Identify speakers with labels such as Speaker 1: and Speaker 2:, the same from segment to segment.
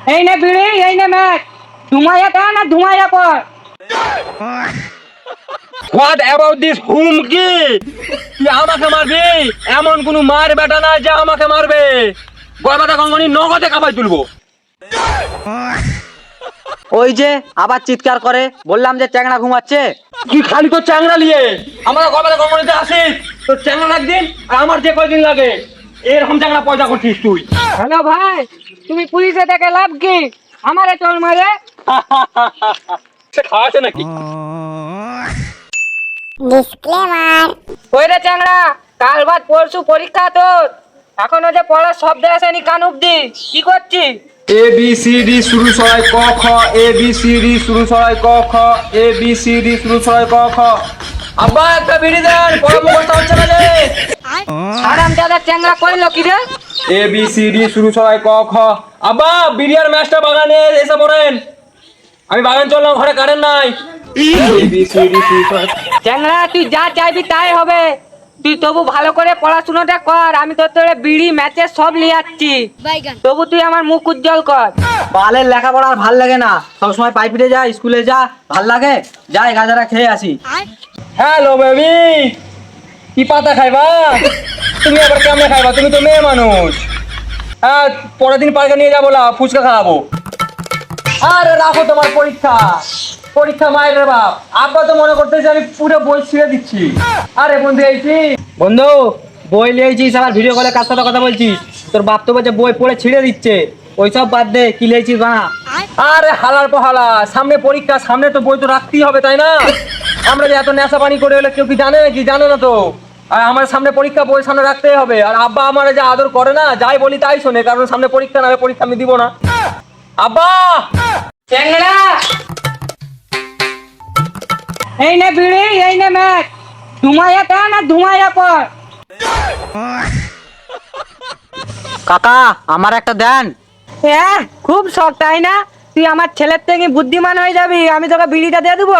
Speaker 1: এই নে বিড়ি, এই নে ম্যাচ, ধুমাইয়া টান আর ধুমাইয়া পর।
Speaker 2: হোয়াট অ্যাবাউট দিস হুমকি? তুই আমাকে মারবি? এমন কোন মার বেটা না যে আমাকে মারবে। গয়বাটা গঙ্গনি নগদে কামাই তুলবো।
Speaker 3: ওই যে আবার চিৎকার করে, বললাম যে চ্যাংড়া ঘুমাচ্ছে।
Speaker 2: তুই খালি তো চ্যাংড়া নিয়ে আমার গয়বাটা গঙ্গনিতে আসিস, তোর চ্যাংড়া একদিন আর আমার যে কয়দিন লাগে এরকম চ্যাংড়া পয়দা করছিস তুই।
Speaker 1: হ্যালো ভাই, তুমি পুলিশে থেকে লাভ কি? আমারে চল মারে।
Speaker 2: সে খাওয়াছে নাকি?
Speaker 4: ডিসক্লেমার।
Speaker 1: ওই রে চ্যাংড়া, কাল বাদ পরশু পরীক্ষা তোর, এখনো যে পড়ার শব্দ আসেনি কান অব্দি, কি করছিস?
Speaker 2: এ বি সি ডি শুরু ছড়াই ক খ, এ বি সি ডি শুরু ছড়াই ক খ, এ বি সি ডি শুরু ছড়াই ক খ। আব্বা একটা বিড়ি দেন, পড়া মুখস্থ হচ্ছে না যে।
Speaker 1: আরাম দাদা চ্যাংড়া কইলো কি রে?
Speaker 2: এ বি সি ডি শুরু ছড়াই ক খ। আব্বা বিড়ি আর ম্যাচটা বাগানে এসে পড়েন, আমি বাগান চললাম, ঘরে কারেন্ট নাই। এ বি সি ডি শুরু ছড়াই।
Speaker 1: চ্যাংড়া তুই যা চাইবি তাই হবে, তুই তবু ভালো করে পড়াশোনাটা কর, আমি তোর তোরে বিড়ি ম্যাচের সব নিয়ে যাচ্ছি, তবু তুই আমার মুখ উজ্জ্বল কর।
Speaker 3: বালের লেখাপড়া আর ভাল লাগে না, সবসময় পাইপিটে যা, স্কুলে যা, ভাল লাগে, যাই গাজারা খেয়ে আসি।
Speaker 2: হ্যালো বেবি, কি পাতা খাইবা? তুমি আবার কেমনে খাইবা? তুমি তো মেয়ে মানুষ। হ্যাঁ, পরের দিন পার্কে নিয়ে যাবো, ফুচকা খাওয়াবো। আরে রাখো তোমার পরীক্ষা, পরীক্ষা মায়ের বাপ। আব্বা তো মনে করতেছে আমি পুরো বই ছিঁড়ে দিচ্ছি। আরে বন্ধু এইছি।
Speaker 3: বন্ধু, বই লিয়েছিস আবার ভিডিও কলে কার সাথে কথা বলছিস? তোর বাপ তো বলছে বই পড়ে ছিঁড়ে দিচ্ছে, ওইসব বাদ দে, কি লিয়েছিস বানা।
Speaker 2: আরে হালার পহালা, সামনে পরীক্ষা, সামনে তো বই তো রাখতেই হবে তাই না? আমরা যে এত নেশা পানি করে হলে কেউ কি জানে নাকি? জানে না তো। আর আমার সামনে পরীক্ষা, বই সামনে রাখতেই হবে। আর আব্বা আমার যে আদর করে না, যাই বলি তাই শোনে, কারণ সামনে পরীক্ষা, না পরীক্ষা আমি দিব না। আব্বা
Speaker 1: চ্যাংড়া, এই নে বিড়ি, এই নে ম্যাচ, ধুমাইয়া টান আর ধুমাইয়া পর।
Speaker 3: কাকা আমার একটা দেন।
Speaker 1: হ্যাঁ, খুব শখ তাই না? তুই আমার ছেলের থেকে বুদ্ধিমান হয়ে যাবি, আমি তোকে বিড়িটা দিয়ে দেবো।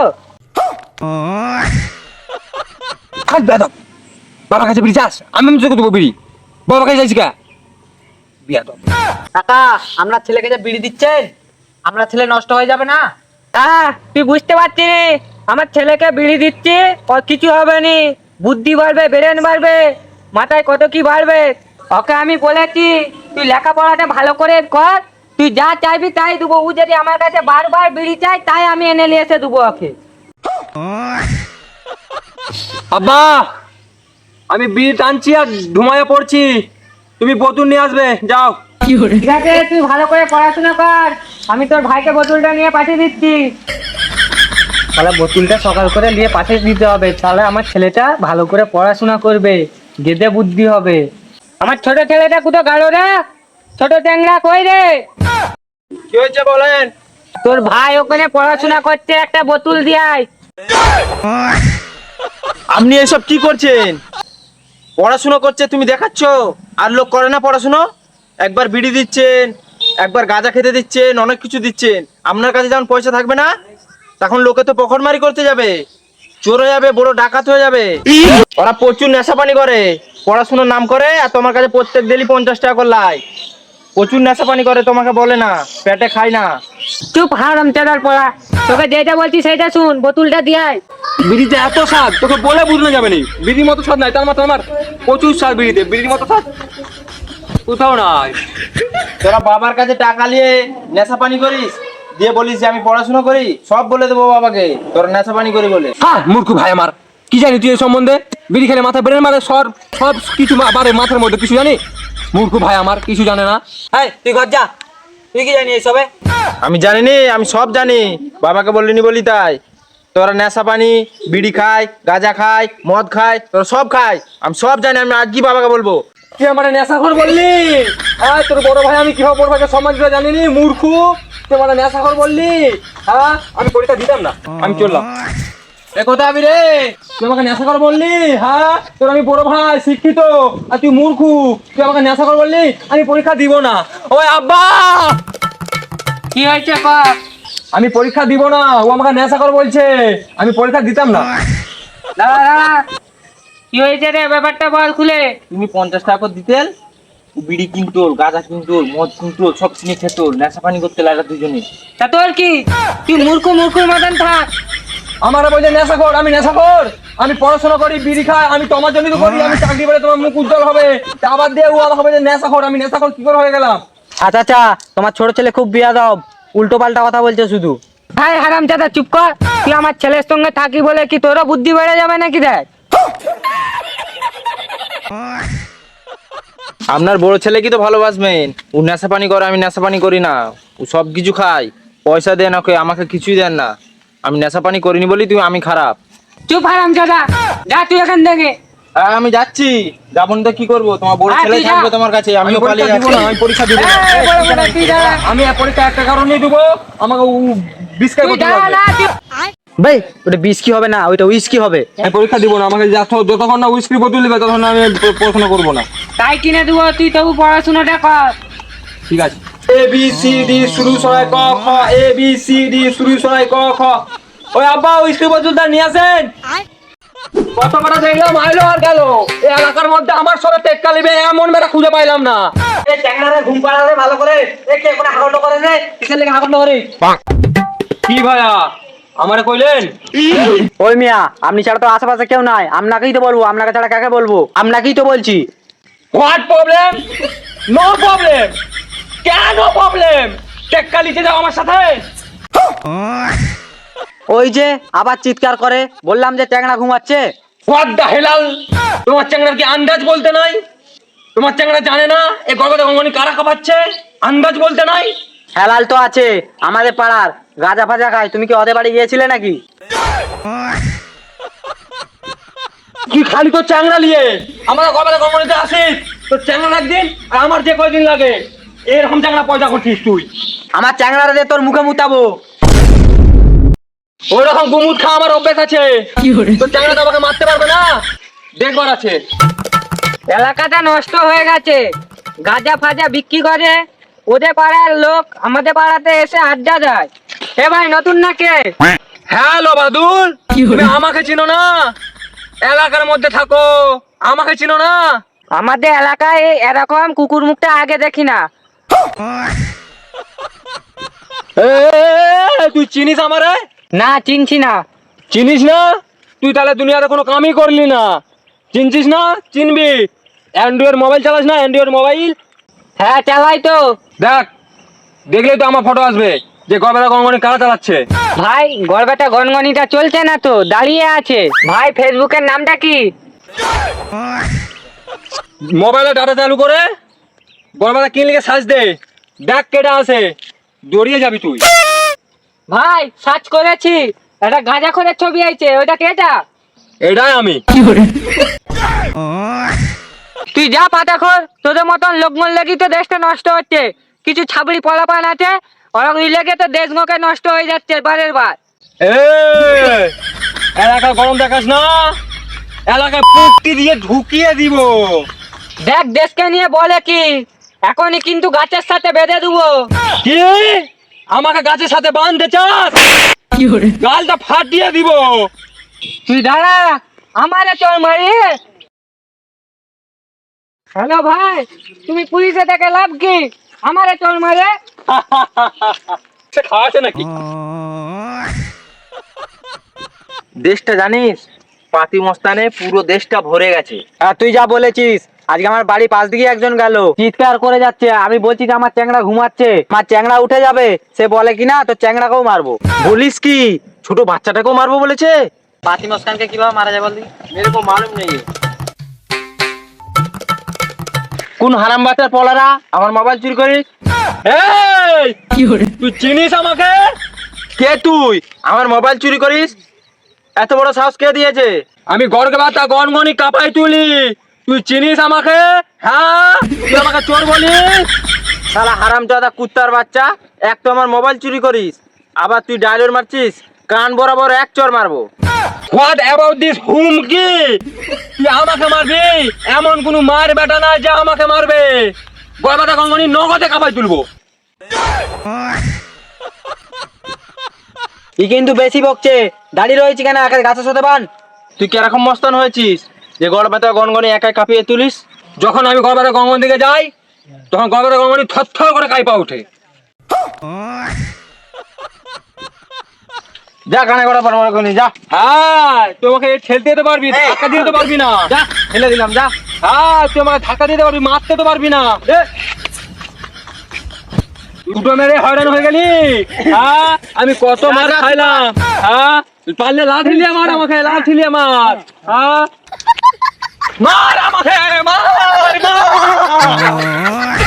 Speaker 2: থাক বেদব, বাবার কাছে বিড়ি চাস? আমি তোকে দেবো বিড়ি? বাবার কাছে যাইছি কা? বেদব।
Speaker 3: কাকা আমরা ছেলেকে যে বিড়ি দিচ্ছেন, আমরা ছেলে নষ্ট হয়ে যাবে না?
Speaker 1: তুই বুঝতে পারছিস নি? আমার ছেলেকে বিড়ি দিচ্ছি, ওর কিছু হবে নি, বুদ্ধি বাড়বে, ব্রেন বাড়বে, মাথায় কত কি বাড়বে। ওকে আমি বলেছি তুই লেখাপড়াটা ভালো করে কর, তুই যা চাইবি তাই দেবো। ও যদি আমার কাছে বারবার বিড়ি চাই, তাই আমি এনে নিয়ে এসে দেবো ওকে।
Speaker 2: আব্বা আমি বিড়ি টানছি আর ধুমায় পড়ছি, তুমি বোতল নিয়ে আসবে, যাও।
Speaker 1: ঠিক আছে, তুই ভালো করে পড়াশোনা কর, আমি তোর ভাইকে বোতলটা নিয়ে পাঠিয়ে দিচ্ছি।
Speaker 3: তাহলে বোতলটা সকাল করে নিয়ে পাঠিয়ে দিতে হবে, তাহলে আমার ছেলেটা ভালো করে পড়াশোনা করবে, গেদে বুদ্ধি হবে।
Speaker 1: আমার ছোট ছেলেটা কোথাও গেল রে? ছোট চ্যাংড়া কই রে?
Speaker 2: কি হয়েছে বলেন?
Speaker 1: তোর ভাই ওখানে পড়াশোনা করছে, একটা বোতল দিয়াই।
Speaker 5: আপনি এসব কি করছেন? পড়াশুনো করছে তুমি দেখাচ্ছ, আর লোক করে না পড়াশুনো? একবার বিড়ি দিচ্ছেন, একবার গাঁজা খেতে দিচ্ছেন, অনেক কিছু দিচ্ছেন। আপনার কাছে যখন পয়সা থাকবে না, তখন লোকে তো পকেটমারি করতে যাবে, চোর হয়ে যাবে, বড় ডাকাত হয়ে যাবে। ওরা প্রচুর নেশা পানি করে, পড়াশুনোর নাম করে, আর তোমার কাছে প্রত্যেক দিনই 50 টাকা করে লাই। প্রচুর নেশা পানি করে, তোমাকে বলে না, পেটে খায় না।
Speaker 1: চুপ হারাম চাদার পড়া, তোকে যেটা বলছি সেটা শুন, বোতলটা দিয়াই।
Speaker 2: বিড়িতে এত স্বাদ তোকে বলে বুঝলে যাবে নি। বিড়ির মতো স্বাদ নাই, তার মাত্র আমার প্রচুর স্বাদ বিড়িতে, বিড়ির মতো স্বাদ কোথাও নাই।
Speaker 5: তোরা বাবার কাছে টাকা নিয়ে নেশা পানি করিস, দিয়ে বলিস যে আমি পড়াশোনা করি, সব বলে দেবো বাবাকে তোরা নেশা পানি করি বলে।
Speaker 2: হ্যাঁ মূর্খ ভাই আমার, কি জানি তুই এই সম্বন্ধে? বিড়ি খেলে মাথা ব্রেন মারে, সব সব কিছু বারে মাথার মধ্যে, কিছু জানি? মূর্খ ভাই আমার, কিছু জানে না।
Speaker 3: এই তুই ঘর যা, তুই কি জানি এইসবে?
Speaker 5: আমি জানি নি, আমি সব জানি, বাবাকে বলিনি বলি তাই। তোরা নেশা পানি, বিড়ি খায়, গাঁজা খায়, মদ খায়, তোরা সব খায়, আমি সব জানি, আমি আজকে বাবাকে বলবো।
Speaker 2: তুই আমার নেশাখোর বললি? হ্যাঁ, তোর বড় ভাই আমি কিভাবে বড় ভাইকে সম্মান দিতে জানিনি, মূর্খ। তুই আমার নেশাখোর বললি? হ্যাঁ, আমি পরীক্ষা দিতাম না, আমি চললাম। এ কোথায় আমি রে? তুই আমাকে নেশাখোর বললি? হ্যাঁ, তোর আমি বড় ভাই, শিক্ষিত, আর তুই মূর্খ। তুই আমাকে নেশাখোর বললি, আমি পরীক্ষা দিব না। ওই আব্বা,
Speaker 1: কি হয়েছে কর?
Speaker 2: আমি পরীক্ষা দিব না, ও আমাকে নেশাখোর বলছে, আমি পরীক্ষা দিতাম না।
Speaker 1: দাঁড়া দাঁড়া, কি হয়েছে রে, ব্যাপারটা বল খুলে।
Speaker 5: তুমি 50 টাকা করে দিতেন, ও বিড়ি কিনতো, গাঁজা কিনতো, মদ কিনতো, সব কিনে খেতো, নেশা পানি করতে লাগা দুজনে।
Speaker 1: তা তোর কি? তুই মূর্খুর মতন থাক।
Speaker 2: আমার বলছে নেশাখোর, আমি নেশাখোর? আমি পড়াশোনা করি, বিড়ি খাই, আমি তোমার জন্যই তো করি, আমি চাকরি করে তোমার মুখ উজ্জ্বল হবে। তা আবার দিয়ে ও হবে যে নেশাখোর, আমি নেশাখোর কি করে হয়ে গেলাম?
Speaker 3: আচ্ছা আচ্ছা, তোমার ছোট ছেলে খুব বিয়াদব, উল্টো পাল্টা কথা বলছে শুধু।
Speaker 1: ভাই হারামজাদা চুপ কর। তুই আমার ছেলের সঙ্গে থাকি বলে কি তোরও বুদ্ধি বেড়ে যাবে নাকি দেখ?
Speaker 5: আপনার বড় ছেলে কি তো ভালোবাসবেন? ও নেশা পানি করে, আমি নেশা পানি করি না। ও সব কিছু খায়, পয়সা দেন ওকে, আমাকে কিছুই দেন না। আমি নেশা পানি করিনি বলি আমি খারাপ।
Speaker 1: চুপ হারামজাদা, যা তুই এখান থেকে।
Speaker 5: হ্যাঁ আমি যাচ্ছি, যাবো না তো কি করবো? তোমার বড়
Speaker 1: হ্যাঁ,
Speaker 5: ছেলে
Speaker 1: তুই যা।
Speaker 5: থাকবে তোমার কাছে, আমিও
Speaker 2: পরীক্ষা
Speaker 5: পালিয়ে
Speaker 2: দিব
Speaker 5: যাচ্ছি।
Speaker 2: না, আমি পরীক্ষা দিব না।
Speaker 1: এই, বড় বড়, তুই যা।
Speaker 2: আমি এই পরীক্ষা একটা কারণেই দেবো, আমাকে ও বিস্কার
Speaker 1: তুই
Speaker 2: করতে
Speaker 1: যা
Speaker 2: লাগবে।
Speaker 1: না, তুই-
Speaker 3: ভাই ওটা বিস্কি হবে না, ওইটা উইস্কি হবে।
Speaker 2: আমি পরীক্ষা দিব না, আমাকে যতক্ষণ না উইস্ক্রি বোতল দিবে ততক্ষণ আমি পড়াশোনা করবো না।
Speaker 1: তাই কিনে দেবো, তুই তবু পড়াশোনাটা কর।
Speaker 2: ঠিক আছে। এ বি সি ডি শুরু সরাই ক খ, এ বি সি ডি শুরু সরাই ক খ। ওই আব্বা উইস্ক্রি বোতলটা নিয়ে আসেন। কত বড় দেখলাম আইলো আর গেল। এই এলাকার মধ্যে আমার সবে টেক্কা লিবে এমন মেয়েটা খুঁজে পাইলাম না।
Speaker 3: এই ট্যাংরারে ঘুম পাড়ারে ভালো করে, এই কে কোন হাগন্ড করে রে, কিসের লেগে হাগন্ড করে?
Speaker 2: কি ভাইয়া আমারে কইলেন?
Speaker 3: ওই মিয়া, আপনি ছাড়া তো আশেপাশে কেউ নাই, আপনাকেই তো বলবো, আপনাকে ছাড়া কাকে বলবো? আপনাকেই তো বলছি।
Speaker 2: What problem? No problem. কেন প্রবলেম? টেক্কা লিখে যাও আমার সাথে।
Speaker 3: ওই যে আবার চিৎকার করে, বললাম যে ট্যাংরা ঘুমাচ্ছে।
Speaker 2: What the hell? তোমার চ্যাংড়ার কি আন্দাজ বলতে নাই? তোমার চ্যাংড়া জানে না এ গগদা গঙ্গনি কারা খাবাচ্ছে? আন্দাজ বলতে নাই?
Speaker 3: হেলাল তো আছে আমাদের পাড়ার, গাঁজা ফাজা খায়। তুমি কি ওদের বাড়ি গিয়েছিলে নাকি?
Speaker 2: তুই খালি তোর চ্যাংড়া নিয়ে আমার গগদা গঙ্গনিতে আসিস, তোর চ্যাংড়া একদিন আর আমার যে কয়দিন লাগে এরকম চ্যাংড়া পয়দা করছিস তুই।
Speaker 3: আমার চ্যাংড়ারে দিয়ে তোর মুখে মুতাবো।
Speaker 2: ওই রকম গুমুট খাওয়া আমার অভ্যেস আছে। তোর চ্যাংড়া তো আমাকে মারতে পারবে না, দেখবার আছে।
Speaker 1: এলাকাটা নষ্ট হয়ে গেছে, গাঁজা ফাজা বিক্রি করে। ওদের পাড়ার লোক আমাদের পাড়াতে এসে আড্ডা দেয়। এ ভাই নতুন না কে?
Speaker 2: হ্যালো বাদুল, তুমি আমাকে চিনো না? এলাকার মধ্যে থাকো, আমাকে চিনো না?
Speaker 1: আমাদের এলাকায় এরকম কুকুর মুখটা আগে দেখি না।
Speaker 2: এ, তুই চিনিস আমারে?
Speaker 1: না চিনছি না।
Speaker 2: চিনিস না? তুই তাহলে দুনিয়াতে কোনো কামই করলি না। চিনছিস না? চিনবি। অ্যান্ড্রয়েড মোবাইল চালাস না? অ্যান্ড্রয়েড মোবাইল
Speaker 1: হ্যাঁ চালাই তো।
Speaker 2: দেখ, দেখলেই তো আমার ফটো আসবে যে গবেলা গঙ্গনি কারা চালাচ্ছে।
Speaker 1: ভাই গড়বেটা গনগনিটা চলছে না তো, দাঁড়িয়ে আছে। ভাই ফেসবুকের নামটা কি?
Speaker 2: মোবাইলে ডাটা চালু করে গড়বেলা কি লিখে সার্চ দে, দেখ কেটা আছে, দৌড়িয়ে যাবি তুই।
Speaker 1: ভাই সার্চ করেছি, একটা গাঁজা খোরের ছবি আইছে, ওইটা কেটা?
Speaker 2: এটাই আমি।
Speaker 1: তুই যা পাতা খোর, তোদের মতন লোকমন লেগে তো দেশটা নষ্ট হচ্ছে। কিছু ছাবড়ি পলাপান আছে, ওরা লেগে তো দেশ মুখে নষ্ট হয়ে যাচ্ছে বারের বার।
Speaker 2: এ এলাকা গরম দেখাস না, এলাকায় পুক্তি দিয়ে ঢুকিয়ে দিব।
Speaker 1: দেখ দেশকে নিয়ে বলে কি, এখনই কিন্তু গাছের সাথে বেঁধে দেবো।
Speaker 2: কি আমাকে গাছের সাথে বাঁধতে চাস? গালটা ফাটিয়ে দিব।
Speaker 1: তুই দাঁড়া, আমারে চল মারি। হ্যালো ভাই, তুমি পুলিশে থেকে লাভ কি? আমারে চল মারে।
Speaker 2: সে খাওয়াছে নাকি?
Speaker 5: দেশটা জানিস, পাতি মস্তানে পুরো দেশটা ভরে গেছে।
Speaker 3: আর তুই যা বলেছিস, আজকে আমার বাড়ি পাশ দিকে একজন গেল, চিৎকার করে যাচ্ছে। আমি বলছি যে আমার চ্যাংড়া ঘুমাচ্ছে, আমার চ্যাংড়া উঠে যাবে, সে বলে কিনা তোর চ্যাংড়াকেও মারবো।
Speaker 5: বলিস কি, ছোট বাচ্চাটাকেও মারবো বলেছে?
Speaker 3: পাতি মস্তানকে কিভাবে মারা যায় বলদি?
Speaker 5: মেরে কো মালুম নেই। কোন হারাম বাচ্চার পলারা আমার মোবাইল চুরি করিস?
Speaker 2: এই তুই চিনিস আমাকে?
Speaker 5: কে তুই আমার মোবাইল চুরি করিস? এত বড় সাহস কে দিয়েছে?
Speaker 2: আমি গড়গড়াতা গনগনি কাপাই তুলি, তুই চিনিস আমাকে? হ্যাঁ, তুই আমাকে চোর বলিস?
Speaker 5: শালা হারামজাদা কুত্তার বাচ্চা, এক তো আমার মোবাইল চুরি করিস, আবার তুই ডায়লগ মারছিস, কান বরাবর এক চর মারবো।
Speaker 2: হোয়াট অ্যাবাউট দিস হুমকি? তুই আমাকে মারবি? এমন কোনো মার বেটা না যে আমাকে মারবে। গড়গড়াতা গনগনি নগদে কাপাই তুলবো।
Speaker 3: ই কিন্তু বেশি বকছে, দাঁড়িয়ে রয়েছে কেন, একা গাছের সাথে বান।
Speaker 5: তুই কিরকম মস্তান হয়েছিস যে গড় ব্যথা গনগনি একাই কাঁপিয়ে তুলিস?
Speaker 2: যখন আমি গড়গড়াতা গনগনি দিকে যাই তখন গঙ্গাটা গঙ্গানি থর করে কাইপা ওঠে।
Speaker 5: যা কানে করা পারবো এখনই, যা
Speaker 2: হ্যাঁ তোমাকে ঠেলতে তো পারবি, ধাক্কা দিতে তো পারবি না।
Speaker 5: যা ফেলে দিলাম, যা।
Speaker 2: হ্যাঁ তুই আমাকে ধাক্কা দিতে পারবি, মারতে তো পারবি না। দুটো মেরে হয়রান হয়ে গেলি। হ্যাঁ আমি কত মার খাইলাম। হ্যাঁ পারলে লাঠি নিয়ে মার আমাকে, লাঠি নিয়ে মার। হ্যাঁ মার আমাকে, মার মার।